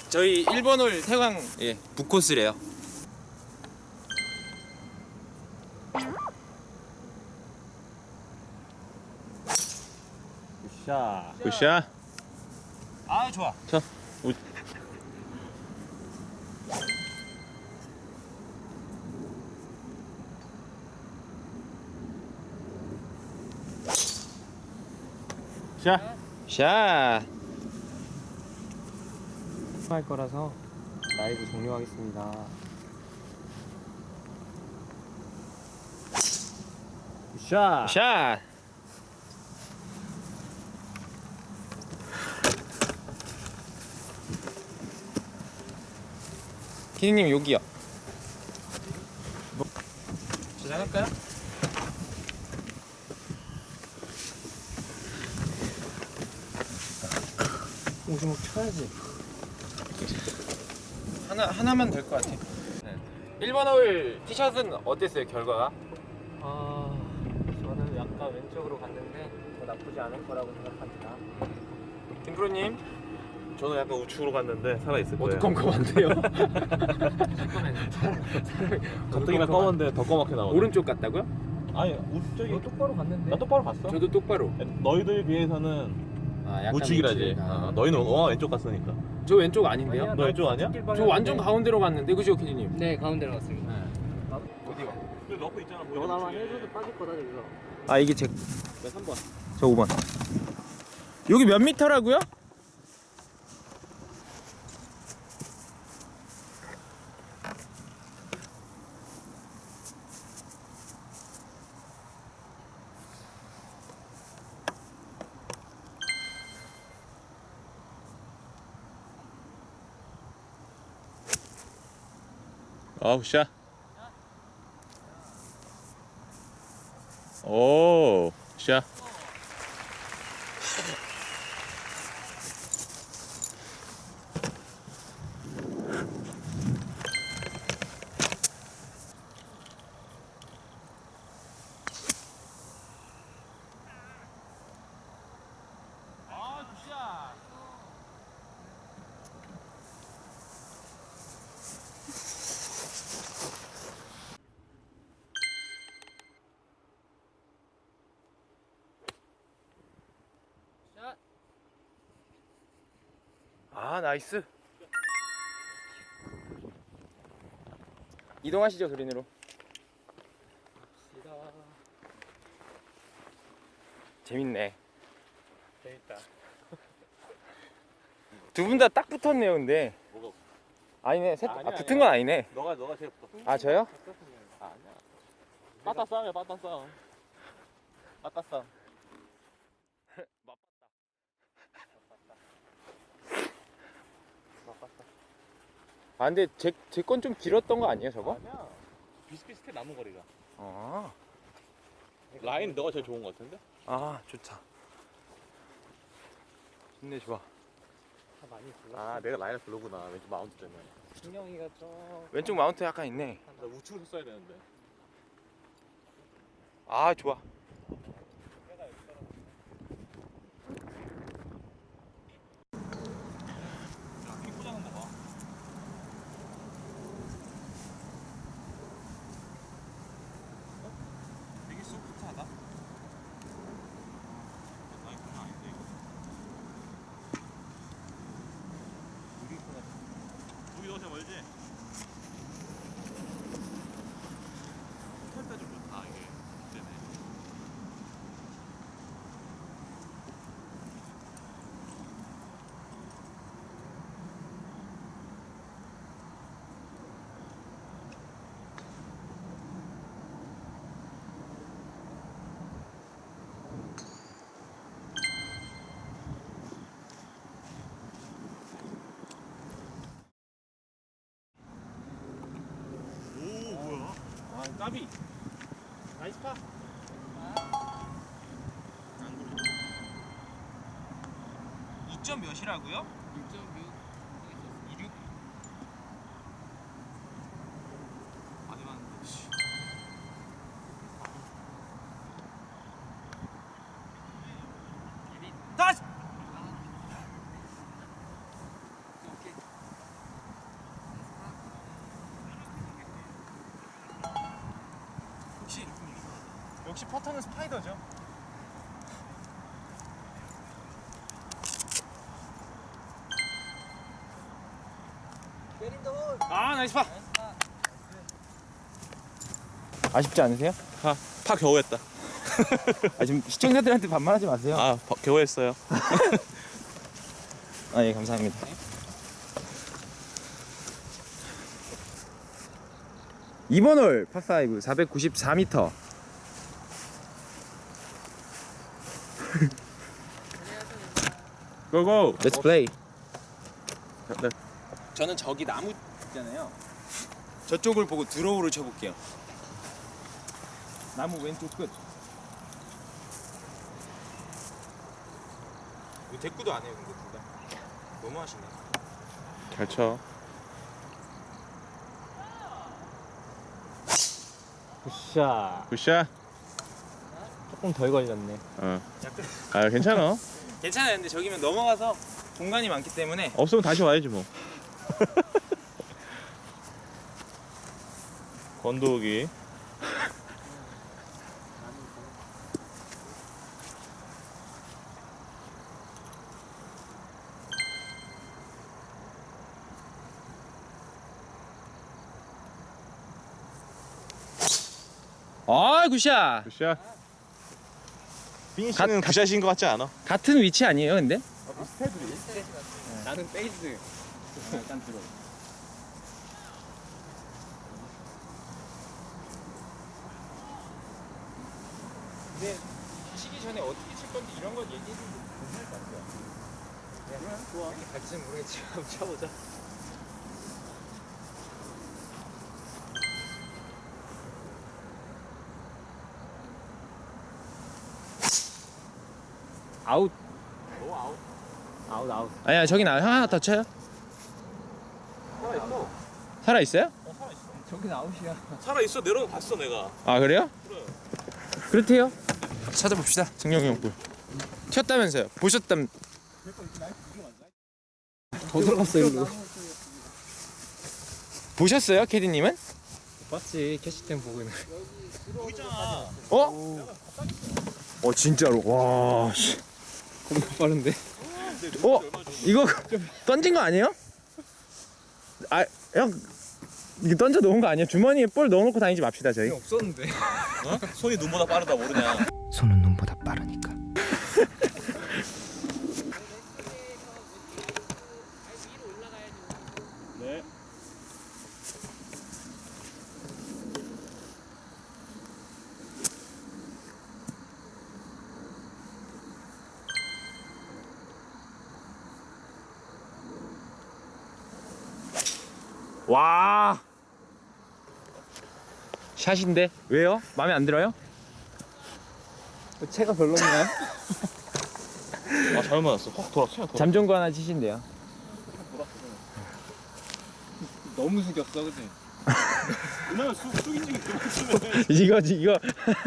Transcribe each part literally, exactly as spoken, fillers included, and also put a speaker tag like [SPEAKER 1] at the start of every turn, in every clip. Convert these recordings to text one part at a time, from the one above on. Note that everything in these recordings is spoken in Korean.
[SPEAKER 1] 저희 일 번 홀 태광 예 북코스래요.
[SPEAKER 2] 굿샷.
[SPEAKER 3] 굿샷.
[SPEAKER 1] 아 좋아.
[SPEAKER 3] 자, 우... 샷.
[SPEAKER 1] 샷.
[SPEAKER 2] 할 거라서 라이브 종료하겠습니다. 굿샷.
[SPEAKER 1] 샷. 피디님 여기요. 뭐? 시작할까요?
[SPEAKER 2] 오주먹 쳐야지.
[SPEAKER 1] 하나 하나만 될 것 같아. 네. 일 번 홀 티샷은 어땠어요 결과가?
[SPEAKER 2] 아, 저는 약간 왼쪽으로 갔는데 더 나쁘지 않을 거라고 생각합니다.
[SPEAKER 1] 김프로님
[SPEAKER 3] 저는 약간 우측으로 갔는데 살아 있을 거예요.
[SPEAKER 1] 어두컴컴한데요?
[SPEAKER 3] 가뜩이나 검은데 더 검게 나오네.
[SPEAKER 1] 오른쪽 같다고요?
[SPEAKER 3] 아니 우측이
[SPEAKER 2] 너 똑바로 갔는데.
[SPEAKER 3] 나 똑바로 봤어.
[SPEAKER 1] 저도 똑바로.
[SPEAKER 3] 너희들 비해서는
[SPEAKER 1] 아, 약간
[SPEAKER 3] 우측이라지.
[SPEAKER 1] 우측.
[SPEAKER 3] 아,
[SPEAKER 1] 아.
[SPEAKER 3] 너희는 어 왼쪽 갔으니까.
[SPEAKER 1] 저 왼쪽 아닌데요?
[SPEAKER 2] 아니야,
[SPEAKER 3] 너 왼쪽 아니야?
[SPEAKER 1] 저 완전 가운데로 갔는데 그죠 피디님?
[SPEAKER 4] 네, 가운데로 갔습니다.
[SPEAKER 1] 어디 가?
[SPEAKER 3] 그 러프 있잖아.
[SPEAKER 4] 너나만 해줘도 빠질 거다, 저기서.
[SPEAKER 1] 아 이게 제
[SPEAKER 3] 몇 삼 번.
[SPEAKER 1] 저 오 번. 여기 몇 미터라고요?
[SPEAKER 3] 아 굿샷. 오 굿샷.
[SPEAKER 1] 아 나이스. 이동하시죠 그린으로. 재밌네.
[SPEAKER 2] 재밌다.
[SPEAKER 1] 두 분 다 딱 붙었네요 근데.
[SPEAKER 3] 뭐가?
[SPEAKER 1] 아니네 셋,
[SPEAKER 3] 아니야,
[SPEAKER 1] 아, 붙은 건 아니네.
[SPEAKER 3] 너가 너가 제일 붙어.
[SPEAKER 1] 아 저요?
[SPEAKER 3] 아, 아니야. 빠따 싸움이야 빠따 싸움. 빠따 싸움.
[SPEAKER 1] 아 근데 제 제 건 좀 길었던 거 아니에요 저거?
[SPEAKER 3] 아니야. 비슷비슷해 남은 거리가.
[SPEAKER 1] 아,
[SPEAKER 3] 라인 너가 제일 좋은 거 같은데?
[SPEAKER 1] 아 좋다. 좋네 좋아.
[SPEAKER 2] 다 많이 불렀어.
[SPEAKER 3] 아 내가 라인을 부르구나. 왼쪽 마운트 때문에.
[SPEAKER 2] 신경이가 좀.
[SPEAKER 1] 왼쪽 마운트 약간 있네.
[SPEAKER 3] 나 우측으로 써야 되는데.
[SPEAKER 1] 아 좋아.
[SPEAKER 3] 킥 꽂아놓은 거 봐. 되게 소프트하다. 아니 그건 아닌데 이거. 여기 너한테 멀지? 탈 때 좀 좋다 이게. 때문에. 오 뭐야?
[SPEAKER 1] 아 까비.
[SPEAKER 2] 나이스 파.
[SPEAKER 1] 이 점 몇이라고요?
[SPEAKER 4] 육 점 육.
[SPEAKER 1] 이륙.
[SPEAKER 3] 많이 봤는데.
[SPEAKER 1] 다시.
[SPEAKER 4] 오케이.
[SPEAKER 1] 역시 퍼터는 스파이더죠. 아 나이스 파.
[SPEAKER 3] 아쉽지 않으세요?
[SPEAKER 5] 파, 파 겨우 했다.
[SPEAKER 3] 아 지금 시청자들한테 반말하지 마세요.
[SPEAKER 5] 아, 파, 겨우 했어요.
[SPEAKER 3] 아 예 감사합니다. 이번 홀 파파이브 사백구십사 미터.
[SPEAKER 5] 고고.
[SPEAKER 3] Let's play.
[SPEAKER 1] 저는 저기 나무 있잖아요.
[SPEAKER 3] 저쪽을 보고 드로우를 쳐볼게요. 나무 왼쪽 끝.
[SPEAKER 1] 이거 대꾸도 안 해요 근데 둘 다. 너무 하시네.
[SPEAKER 5] 잘 쳐.
[SPEAKER 2] 굿샷.
[SPEAKER 5] 굿샷.
[SPEAKER 2] 조금 덜 걸렸네.
[SPEAKER 5] 어. 아, 괜찮아.
[SPEAKER 3] 괜찮아요. 근데 저기면 넘어가서 공간이 많기 때문에
[SPEAKER 5] 없으면 다시 와야지 뭐. 건도기.
[SPEAKER 3] 아 굿샷.
[SPEAKER 5] 굿샷. 빈 씨는 굿샷인 것 같지 않아?
[SPEAKER 3] 같은 위치 아니에요 근데?
[SPEAKER 1] 나는 페이스.
[SPEAKER 3] 일단 들어. 근데 치기 전에 어떻게 칠 건지 이런 건 얘기해 주면 괜찮을 것 같아요.
[SPEAKER 1] 그러면 좋아. 갈지는 모르겠지. 한번 쳐보자.
[SPEAKER 2] 아웃.
[SPEAKER 1] 오 아웃.
[SPEAKER 2] 아웃 아웃.
[SPEAKER 3] 아니야 저기 나 하나 더 쳐요.
[SPEAKER 1] 살아 있어.
[SPEAKER 3] 살아 있어요?
[SPEAKER 1] 어 살아 있어.
[SPEAKER 2] 저긴 아웃이야.
[SPEAKER 5] 살아 있어. 내려가 봤어 내가.
[SPEAKER 3] 아 그래요?
[SPEAKER 5] 그래.
[SPEAKER 3] 그렇대요. 찾아봅시다. 정영이 형 볼. 튀었다면서요? 보셨담.
[SPEAKER 2] 더 들어갔어 일로.
[SPEAKER 3] 보셨어요, 캐디님은?
[SPEAKER 2] 봤지 캐시템 보고 있는.
[SPEAKER 5] 보이잖아.
[SPEAKER 3] 어? 어 진짜로. 와. 씨.
[SPEAKER 2] 겁나 빠른데.
[SPEAKER 3] 어? 이거 던진 거 아니에요? 아, 형 이거 던져 놓은 거 아니에요? 주머니에 볼 넣어놓고 다니지 맙시다 저희.
[SPEAKER 2] 없었는데.
[SPEAKER 5] 어? 손이 눈보다 빠르다 모르냐.
[SPEAKER 3] 손은 눈보다 빠르니까.
[SPEAKER 5] 네.
[SPEAKER 3] 와. 샷인데 왜요? 마음에 안 들어요?
[SPEAKER 2] 채가 별로인가요?
[SPEAKER 5] 아, 잘못 맞았어. 확 돌았어. 돌았어.
[SPEAKER 3] 잠정구 하나 치신대요.
[SPEAKER 2] 너무 숙였어 그치?
[SPEAKER 5] 그냥 쑥 쑥이 찍이 그만 쓰면.
[SPEAKER 3] 이거 이거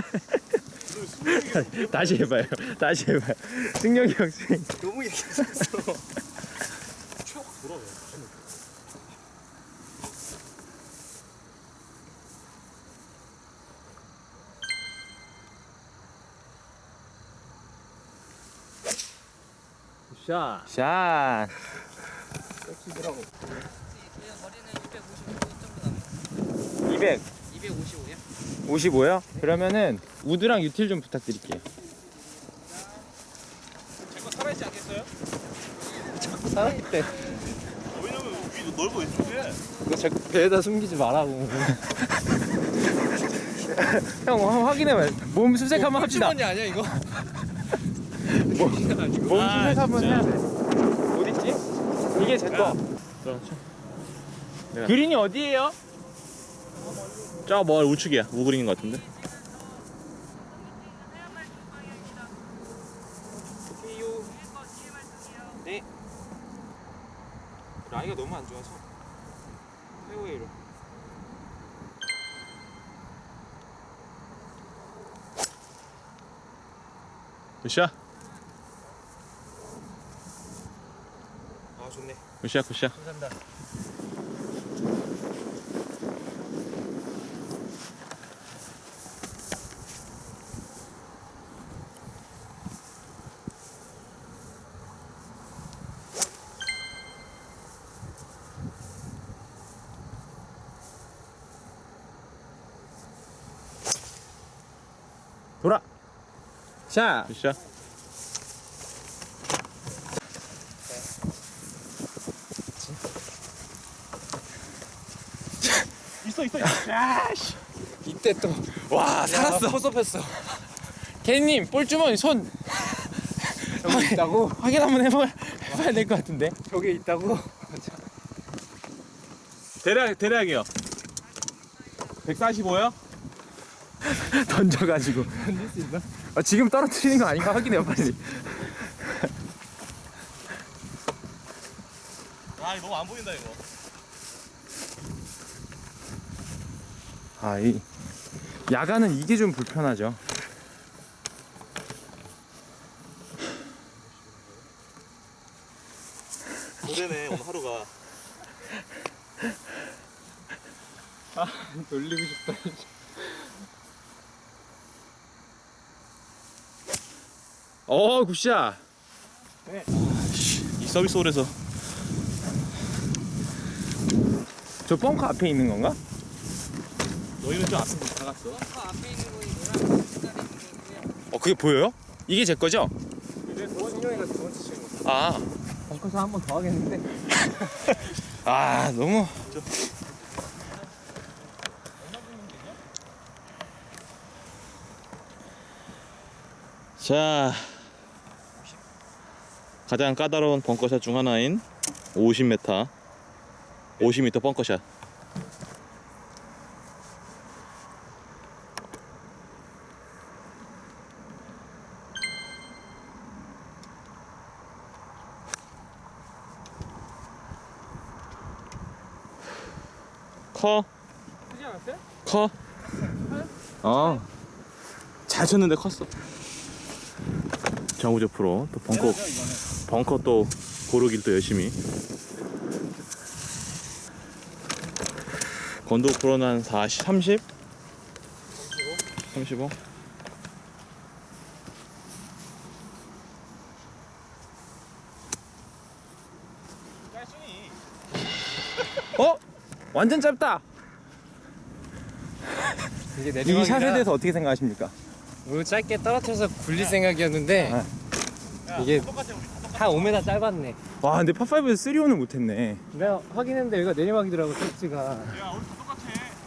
[SPEAKER 3] 다시 해봐요. 다시 해봐요. 승력이 형 스윙.
[SPEAKER 1] 너무 얘기했어.
[SPEAKER 5] 확 돌아.
[SPEAKER 2] 굿샷.
[SPEAKER 3] 샷.
[SPEAKER 2] 섹시더라고.
[SPEAKER 3] 이백.
[SPEAKER 4] 이백오십오요?
[SPEAKER 3] 오십오요? 그러면은 우드랑 유틸 좀 부탁드릴게요.
[SPEAKER 5] 제거 살아있지 않겠어요?
[SPEAKER 2] 살아있대.
[SPEAKER 5] 왜냐면 위도 넓어 왼쪽에.
[SPEAKER 2] 이거 제 배에다 숨기지 말라고.
[SPEAKER 3] 형 한번 확인해봐요. 몸 수색 한번 합시다.
[SPEAKER 1] 주머니 아니야 이거?
[SPEAKER 3] 몸 수색 한번 해야 돼. 어딨지? 이게 제 거.
[SPEAKER 5] 내가.
[SPEAKER 3] 그린이 어디예요?
[SPEAKER 5] 저 뭐 우측이야. 우그린인 것 같은데.
[SPEAKER 1] 오케이요. 네. 라이가 너무 안 좋아서 페어웨이로.
[SPEAKER 5] 굿샷.
[SPEAKER 1] 아 좋네.
[SPEAKER 5] 굿샷 굿샷.
[SPEAKER 1] 감사합니다.
[SPEAKER 3] 샷.
[SPEAKER 5] 굿샷. 있어 있어. 야씨.
[SPEAKER 3] 이때 또 와 살았어.
[SPEAKER 2] 포섭했어.
[SPEAKER 3] 개님 볼주머니 손
[SPEAKER 2] 여기 있다고?
[SPEAKER 3] 확인 한번 해봐 해봐야 될 것 같은데.
[SPEAKER 2] 저기 있다고?
[SPEAKER 5] 대략 대략이요. 백사십오요?
[SPEAKER 3] 던져가지고.
[SPEAKER 2] 던질 수 있나?
[SPEAKER 3] 아, 지금 떨어뜨리는 거 아닌가 확인해요 빨리.
[SPEAKER 5] 아 이거 너무 안 보인다 이거.
[SPEAKER 3] 아, 이 야간은 이게 좀 불편하죠.
[SPEAKER 5] 고되네 오늘 하루가.
[SPEAKER 2] 놀리고 싶다.
[SPEAKER 3] 어 굿샷.
[SPEAKER 5] 이 서비스 홀에서
[SPEAKER 3] 저 벙커 앞에 있는 건가?
[SPEAKER 5] 너희는 좀 앞에 나갔어.
[SPEAKER 4] 벙커 앞에 있는 거이 노랑 색깔에 있는 거고요.
[SPEAKER 3] 어 그게 보여요? 이게 제 거죠?
[SPEAKER 2] 근데 도원 형이가 두 번째 치는 거.
[SPEAKER 3] 아,
[SPEAKER 2] 벙커에서 한 번 더 하겠는데.
[SPEAKER 3] 아 너무.
[SPEAKER 5] 자, 가장 까다로운 벙커샷 중 하나인 오십 미터, 오십 미터 벙커샷. 커,
[SPEAKER 2] 크지 않았어요?
[SPEAKER 5] 커. 어, 잘 쳤는데 컸어. 정우재 프로 또 벙커 벙커 또 고르길 또 열심히. 건도 프로는 한 사십, 삼십? 삼십오?
[SPEAKER 3] 어? 완전 짧다.
[SPEAKER 2] 이게
[SPEAKER 3] 이
[SPEAKER 2] 내리막이라
[SPEAKER 3] 샷에 대해서 어떻게 생각하십니까?
[SPEAKER 2] 뭐 짧게 떨어뜨려서 굴릴 생각이었는데 이게 한 오 미터 짧았네.
[SPEAKER 3] 와 근데 파파이브에서 쓰리온을 못했네.
[SPEAKER 2] 내가 확인했는데 여기가 내리막이더라고 택지가.
[SPEAKER 5] 야 우리 다 똑같아.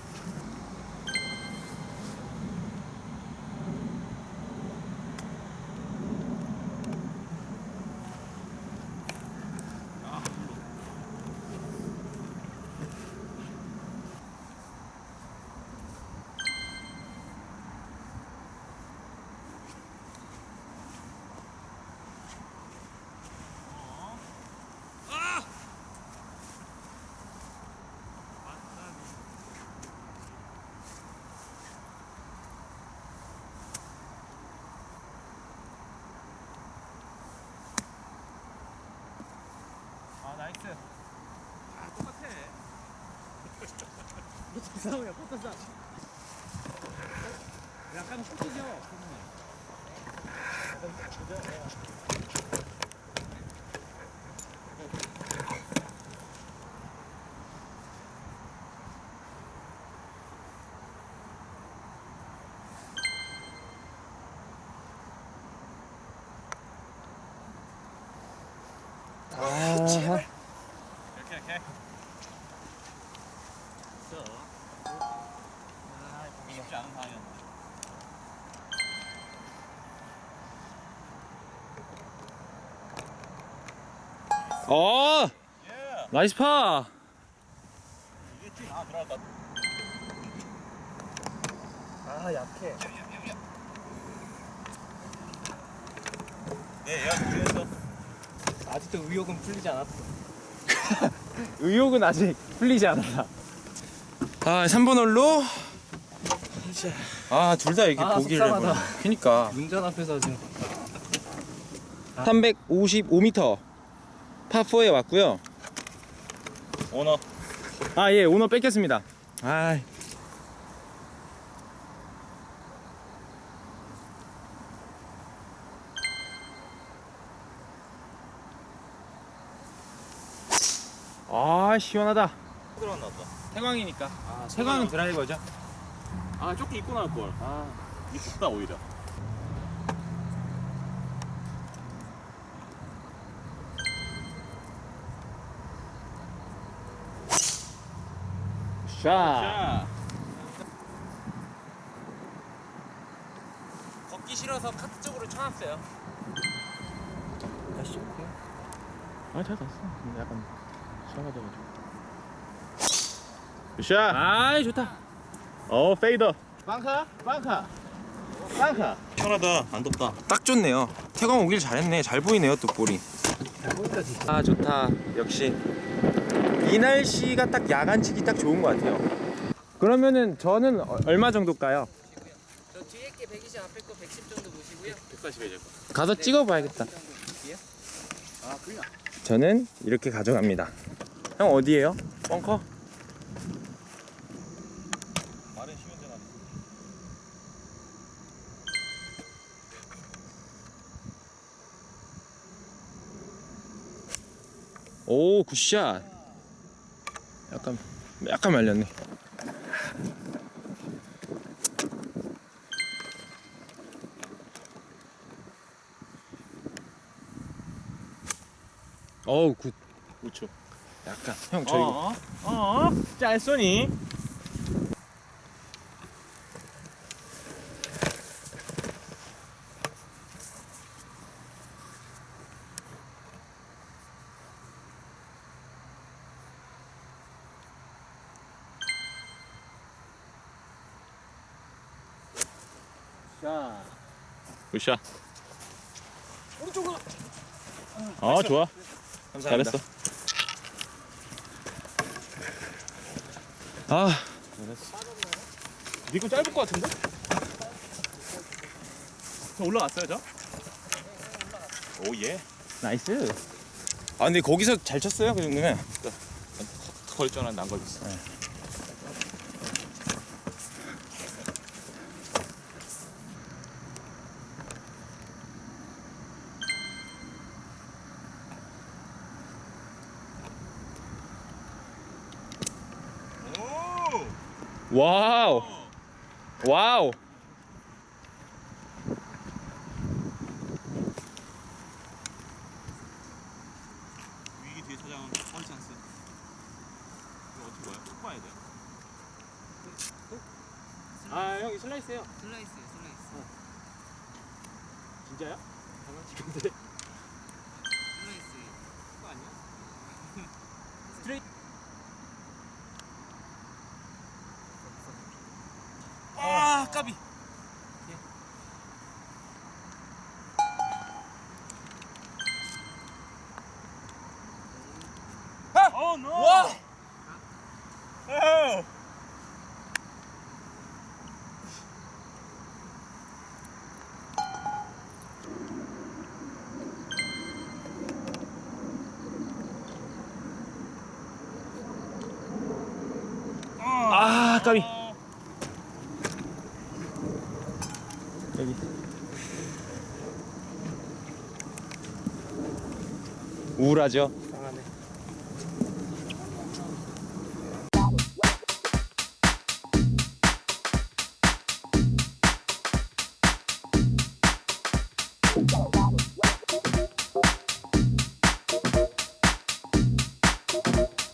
[SPEAKER 2] 아 나이스. 아 똑같아. 싸움이야 포터 싸움. 약간 포트죠.
[SPEAKER 3] 아,
[SPEAKER 5] 이렇게 이렇게. 아, 보기 쉽지 않은 상황이었는데.
[SPEAKER 3] 어,
[SPEAKER 5] 예.
[SPEAKER 3] 나이스 파.
[SPEAKER 5] 이게 팀 아 들어갈 것 같아.
[SPEAKER 2] 아 약해.
[SPEAKER 5] 네, 야 중에서.
[SPEAKER 2] 아직도 의욕은 풀리지 않았어.
[SPEAKER 3] 의욕은 아직 풀리지 않았다. 아, 삼 번 홀로. 아, 둘 다 이게
[SPEAKER 2] 아,
[SPEAKER 3] 보기를
[SPEAKER 2] 속상하다.
[SPEAKER 3] 해버려. 그니까.
[SPEAKER 2] 운전 앞에서 지금.
[SPEAKER 3] 삼백오십오 미터 파사에 왔고요.
[SPEAKER 5] 오너.
[SPEAKER 3] 아, 예, 오너 뺏겼습니다. 아, 아 시원하다.
[SPEAKER 5] 들어갔나 보다.
[SPEAKER 3] 태광이니까.
[SPEAKER 2] 아,
[SPEAKER 3] 태광은 드라이버죠.
[SPEAKER 5] 아 조금 입고 나올 걸. 아 이게 춥다 오히려.
[SPEAKER 3] 샷.
[SPEAKER 1] 걷기 싫어서 카트 쪽으로 쳐놨어요.
[SPEAKER 3] 다시 올게요. 아, 잘 갔어. 근데 약간 시원하져가지고. 샷.
[SPEAKER 1] 아이 좋다.
[SPEAKER 3] 어, 페이더. 빵카, 빵카, 빵카.
[SPEAKER 5] 시원하다. 안 덥다.
[SPEAKER 3] 딱 좋네요. 태광 오길 잘했네. 잘 보이네요, 또 볼이. 아, 좋다. 역시 이 날씨가 딱 야간 치기 딱 좋은 것 같아요. 그러면은 저는 어- 얼마 정도일까요?
[SPEAKER 4] 저 뒤에 게 백이십, 앞에 거 백십 정도 보시고요.
[SPEAKER 1] 백사십에 될 거.
[SPEAKER 3] 가서 찍어봐야겠다.
[SPEAKER 1] 아 그냥.
[SPEAKER 3] 저는 이렇게 가져갑니다. 형 어디에요? 벙커?
[SPEAKER 5] 말은 쉬면 되나?
[SPEAKER 3] 오, 굿샷. 약간 약간 말렸네. 어우, 굿.
[SPEAKER 5] 우측.
[SPEAKER 3] 약간 형 저 이거
[SPEAKER 5] 어? 어? 짤쏘니?
[SPEAKER 2] 자,
[SPEAKER 5] 굿샷.
[SPEAKER 1] 오른쪽으로.
[SPEAKER 5] 어, 좋아.
[SPEAKER 3] 감사합니다.
[SPEAKER 5] 잘했어.
[SPEAKER 3] 아,
[SPEAKER 5] 니거 짧을 것 같은데? 저 올라갔어요, 저? 오, 예.
[SPEAKER 3] 나이스. 아, 근데 거기서 잘 쳤어요, 그 정도면.
[SPEAKER 5] 걸줄 알았는데 안 걸렸어.
[SPEAKER 3] 와우. 와우.
[SPEAKER 5] 위기 뒤에 찾아온 펀 찬스. 이거 어떻게 봐요? 쭉 봐야 돼.
[SPEAKER 2] 아 형이 슬라이스해요.
[SPEAKER 4] 슬라이스요, 슬라이스.
[SPEAKER 2] 진짜요? 장난치는데.
[SPEAKER 4] 슬라이스.
[SPEAKER 2] 그거 아니야?
[SPEAKER 1] 아 까비.
[SPEAKER 5] 어, 노!
[SPEAKER 1] 와.
[SPEAKER 5] 오!
[SPEAKER 3] 아, 까비. 여기. 우울하죠?
[SPEAKER 2] 상하네.
[SPEAKER 3] 아,